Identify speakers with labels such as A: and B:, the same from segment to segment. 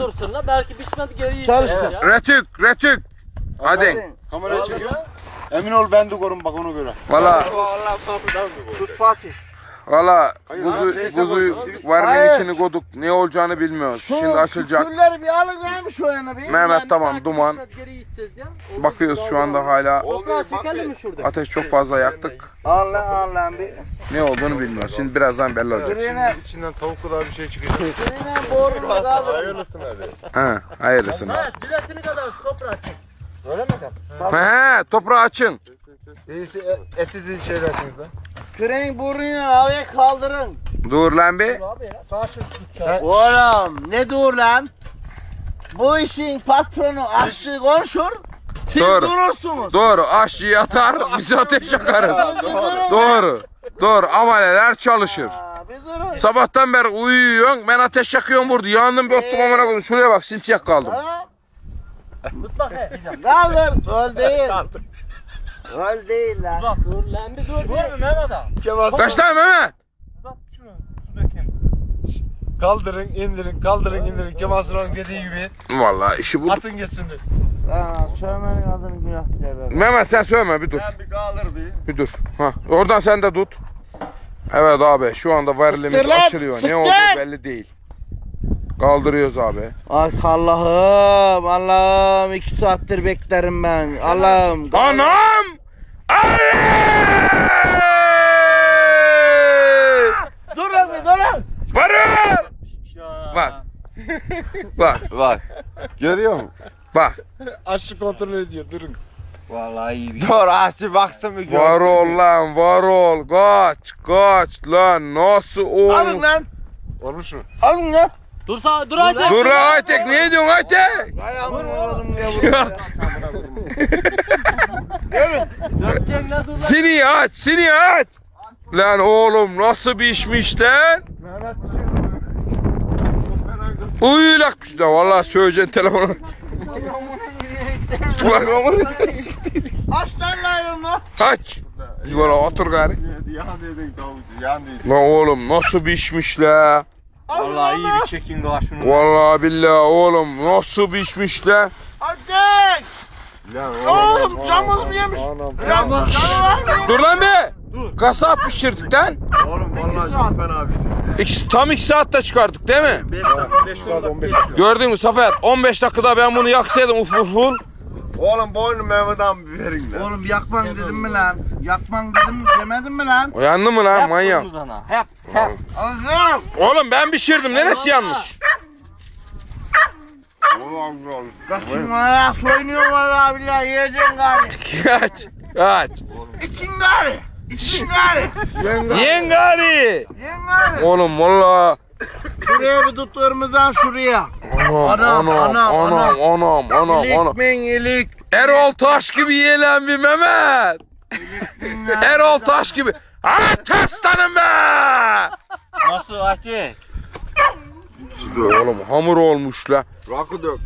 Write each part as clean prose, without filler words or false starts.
A: dursun la. Belki pişmedi geri
B: Çalıştır.
C: Retük. Hadi.
B: Kamerayı çekiyor. Emin ol ben de korum bak ona göre.
C: Valla.
B: Tut Fatih.
C: Valla
B: abi,
C: kuzuyu varının içini koyduk. Ne olacağını bilmiyoruz. Şimdi açılacak.
B: Külleri bir alın neymiş o yana bir.
C: Mehmet tamam duman.
A: Geri gideceğiz ya.
C: Bakıyoruz şu anda hala.
A: Toprağı çekelim mi şurada?
C: Ateş çok fazla yaktık.
B: Allah bir.
C: Ne olduğunu bilmiyoruz. Şimdi birazdan belli olacak.
B: İçinden tavuk kadar bir şey çıkacak. Boru hayırlısın hadi.
C: He, hayırlısın.
A: Ha, ciletini kadar şu toprağı çek.
B: Öyle mi kan?
C: He, toprağı açın.
B: Birisi eti dediğin şeyler şimdi. Küreğin burnunu havaya kaldırın.
C: Dur lan bir.
B: Oğlum ne dur lan? Bu işin patronu aşçı konuşur. Siz
C: Doğru.
B: durursunuz.
C: Doğru. Aşçıyı atar, biz ateş yakarız. Doğru. Amaleler çalışır.
B: Bir durun.
C: Sabahtan beri uyuyorsun, ben ateş yakıyorum burada. Yandım bir ottum amına koydum. Şuraya bak, simsiyah kaldım.
A: Tut bak he.
B: Kaldır. Öl değil. Öl değil lan.
A: Bak dur lan bir dur.
B: Dur bir Mehmet abi.
C: Kaç tane Mehmet?
B: Bak şunu su dökeyim. Kaldırın, indirin. Kemal Sunal'ın dediği gibi.
C: Vallahi işi bu.
B: Atın geçsin. Sövmenin adını günah diye.
C: Mehmet sen söyleme, bir dur.
B: Ben bir kaldır bir.
C: Bir dur. Ha, oradan sen de tut. Evet abi, şu anda varilimiz
B: Siktir lan,
C: açılıyor. Ne olduğu
B: siktir!
C: belli değil. Kaldırıyoruz abi.
B: Ay Allah'ım 2 saattir beklerim ben. Allah'ım.
C: Anam! Ali!
B: Dur abi dur.
C: Varıl! Bak.
D: Bak. Görüyor musun?
C: Bak.
B: Aşçı kontrol ediyor durun.
D: Vallahi iyi bir. Dur aşçı baksın bir görsün.
C: Var ol lan, var ol. Kaç lan, nasıl
B: Alın
C: oğlum?
B: lan.
D: Olmuş mu?
B: Alın lan.
A: Dur sağ dur Aytek.
C: Dur lan Aytek, ne diyorsun Aytek?
B: Ayağımı oğlum ya buraya.
A: Dökeceksin lan dur lan.
C: Sini aç. Lan oğlum nasıl bir işmiş lan? Uyulakmış da vallahi söyleyeceksin telefonu. Ulan aman
B: Aç lan lan.
C: aç. Biz böyle otur gari.
D: Yan dedin tavuk. Yan dedin.
C: Lan oğlum nasıl bir işmiş la?
D: Vallahi iyi bir çekin karşını.
C: Vallahi billahi oğlum nasıl bir işmiş la?
B: Ateş. Oğlum camız mı yemiş? Canı var mı?
C: Dur lan be. Kaç saat pişirdik lan?
D: Oğlum vallahi çok fena bir şey.
C: Tam 2 saatte çıkardık değil mi?
D: 5 saat 15 dakika.
C: Gördün mü Zafer? 15 dakikada ben bunu yaksaydım uful.
D: Oğlum boynu Mehmet abi verin lan.
B: Oğlum yakman dedim mi lan? Yakman dedim demedin mi lan?
C: Uyandı mı lan manyak?
A: Hep.
B: Alacağım.
C: Oğlum ben pişirdim. Neresi yanlış?
D: Oğlum
B: Kaçınma ya soyunuyor vallahi billahi yiyeceksin gari.
C: Kaç.
B: İçin gari. İçin gari.
C: Yengari.
B: Yiyin gari.
C: Oğlum valla.
B: Şuraya bir tut ırmızan şuraya.
C: Anam.
B: İlik min ilik.
C: Erol Taş gibi yiyelim bir Mehmet. Erol Taş gibi. Aslanım be.
B: Nasıl Ateş?
C: Oğlum hamur olmuş la.
D: rakı dök.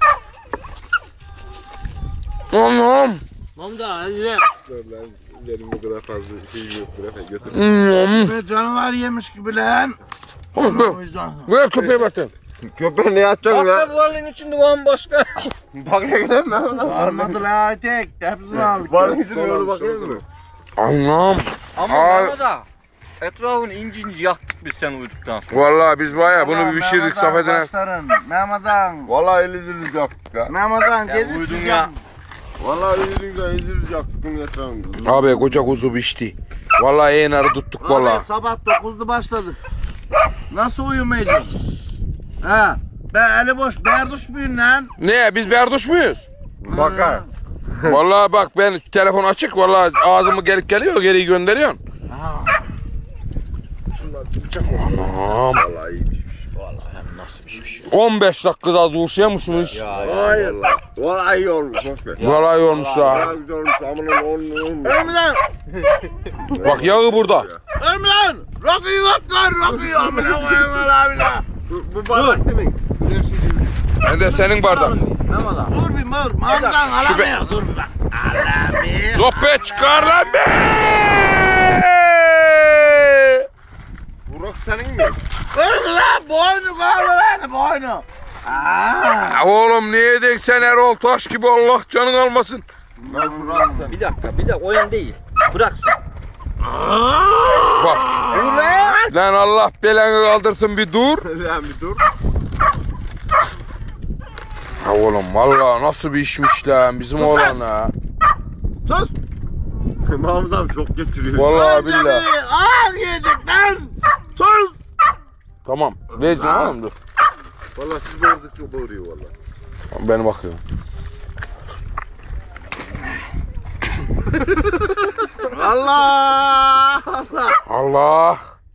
C: Anam.
A: Mamda hadi.
D: Benim bu kadar fazla şey yok. Götür.
B: Ne canavar yemiş gibi lan.
C: Ver köpeğe bakın.
D: Köpeği ne yapacaksın lan?
B: Balın içinde bambaşka.
D: Bak ne kadar mı?
B: Almadı la Ateş. Hepsini aldık.
D: Balın içine yolu bakıyor musun?
C: Anam.
E: Ama
C: Aa.
E: Mehmet ağa, etrafını inci yaktık biz sen uyuduktan sonra.
C: Vallahi biz bayağı bunu bir pişirdik Safet'ine.
B: Mehmet'an.
D: Vallahi elinizi yaktık ya.
B: Mehmet'an
E: Ya
B: dedi
E: uyudun
B: size.
E: ya.
D: Vallahi elinizi yaktık bunun etrafında.
C: Abi koca kuzu pişti. Vallahi enarı tuttuk vallahi.
B: Abi sabah 9'da başladık. Nasıl uyumayacağım? Ha. Ben eli boş berduş muyum lan?
C: Ne biz berduş muyuz?
D: Bakar.
C: Vallahi bak ben telefon açık vallahi ağzımı gelip geliyor geri gönderiyorsun. Anam.
D: Vallahi iyiymiş.
C: 15 dakikada dursuyor musunuz?
D: Hayır. Vallahi iyi olmuş.
C: Vallahi iyi olmuş ha.
D: Vallahi güzel olmuş. Amanın olmuş.
B: Ölüm lan!
C: Bak yağı burada.
B: Ölüm lan! Rakıyı yok lan! Rakıyı amına koyayım abi la!
D: Bu bardak demek.
C: Ben de senin bardağın.
B: Dur bir mor, mamdan alamıyor. Dur bir bak. Alamıyor.
C: Sohbet çıkar lan be!
D: Bu rak senin mi?
B: Ölüm lan! Boynu bağlı beni boynu.
C: Ya oğlum niye denk sen Erol Taş gibi Allah canın almasın.
D: Lan bırak sen.
E: Bir dakika o yan değil. Bırak sen.
C: Bak. Lan Allah belanı kaldırsın bir dur.
D: Lan bir dur.
C: Ya oğlum vallahi nasıl bir işmiş lan bizim oğlan ha.
D: Sus. Mahmut abi çok geçiriyor.
C: Vallahi billahi.
B: Al yiyecek lan. Sus.
C: Tamam. Vereceğim oğlum dur.
D: Valla siz orada çok bağırıyor valla.
C: Ben bakıyorum.
B: Allah. Allah.
C: Allah.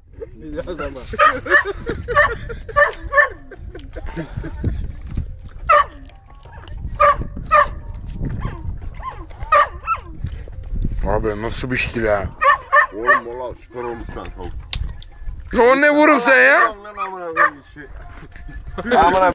C: Abi nasıl bir şey lan?
D: Oğlum valla süper olmuş lan tavuk.
C: O ne vurun sen ya?
D: Lan amına koyayım işi. Amına